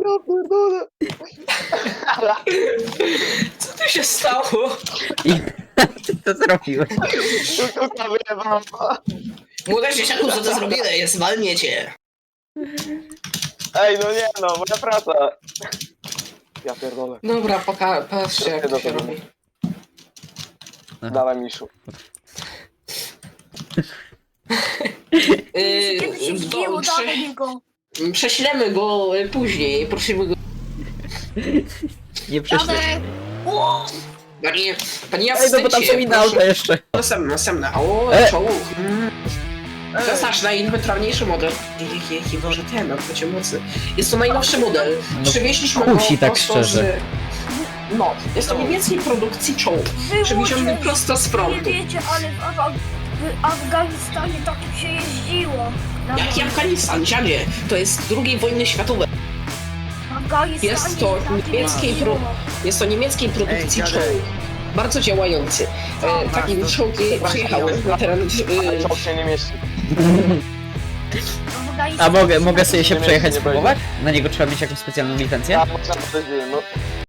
pierdolę. Co tu się stało? I ty to zrobiłeś. Kukułka wyjebała. Młode dzieciaku, co ty zrobiłeś? Zwalnię cię. Ej, no nie no, moja praca. Ja pierdolę. Dobra, patrzcie jak to się robi. Dawaj, Miszu. Kiedy się zgięło, dawaj go. Prześlemy go później, prosimy go. Nie prześlę. Jadę. O! Panie Ej, no bo tam są inne auta jeszcze. Następne. O, E. czołg. To jest nasz najinwentarniejszy model. Jaki Boże, ten, odbycie mocy. Jest to najnowszy model. No, Przywieźliśmy kusi go tak prosto szczerze. No, jest to niemieckiej produkcji czołg. Przywieziony prosto z Nie frontu. wiecie, ale w Afganistanie takim się jeździło. Jaki Afganistan, dziadzie? To jest II wojny światowej. W Afganistanie Jest to takim niemieckiej jeździło. Jest to niemieckiej produkcji Ej, czołg. Bardzo działający. Takim czołgi przyjechały na teren... Ale czołg się nie mieści. W Afganistanie A mogę sobie się Nie przejechać, nie spróbować? Na niego trzeba mieć jakąś specjalną licencję? Ja można podejść, no.